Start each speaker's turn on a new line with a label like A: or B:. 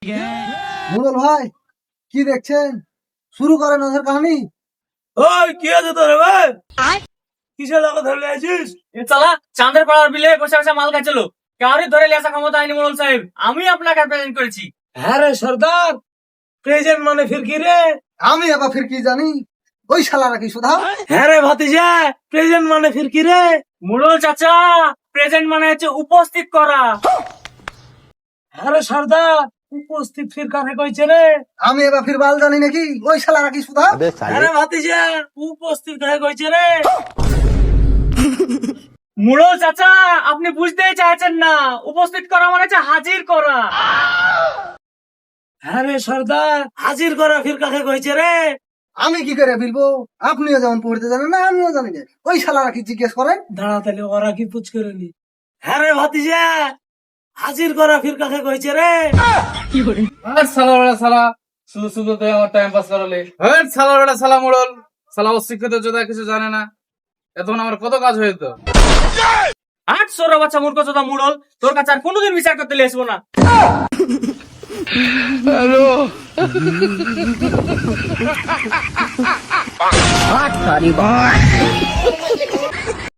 A: মুরল ভাই কি দেখছেন? শুরু করেন ওদের কাহিনী।
B: ওই কি আছে তোর ভাই? কিসের লাগা ধরে আছিস?
C: এ চালা চাঁদের পাড়ার বিলে বসে বসে মাল খাচ্ছিল। কাউরি ধরে লিয়ে আসা ক্ষমতা আইনি মোড়ল সাহেব। আমি আপনাকে প্রেজেন্ট করেছি।
B: হ্যাঁ রে সর্দার, প্রেজেন্ট মানে ফির কি রে?
A: আমি আবার ফির কি জানি, ওই শালারা কি সুধা?
B: হ্যাঁ রে ভাতিজা, প্রেজেন্ট মানে ফির কি রে?
C: মোড়ল চাচা, প্রেজেন্ট মানে হচ্ছে উপস্থিত করা।
B: হ্যাঁ রে সর্দার, উপস্থিত ফির কাকে কইছে রে?
A: আমি এবার ফির বাল জানি নাকি, ওই শালারা কি সুধা?
B: হ্যাঁ রে ভাতিজা, উপস্থিত কাকে কইছে রে?
C: মোড়ল চাচা, আপনি বুঝতেই চাইছেন না। উপস্থিত করা মানে হচ্ছে হাজির করা।
B: হ্যাঁ রে সর্দার, হাজির করা ফির কাকে কইছে রে?
A: আমি কি করে ফিরবো? আপনিও যেমন পড়তে জানেন না, আমিও জানি না। ওই শালারা কি জিজ্ঞেস করেন?
B: দাঁড়া তাহলে ওরা কি পুছ করে নি? হ্যাঁ রে ভাতিজা, হাজির করা ফির কাকে কইছে রে?
D: সালা শুধু শুধু তুই আমার টাইম পাস করালে। সালা মোড়ল, সালা অশিক্ষিত যোদ্ধা কিছু জানে না। এতক্ষণ আমার কত কাজ হয়ে যেত।
C: 800 বাচ্চা মূর্খ চোদা মোড়ল, তোর কাছে আর কোনোদিন বিচার করতে লিয়ে আসবো না।
E: Hot Buddy Boy.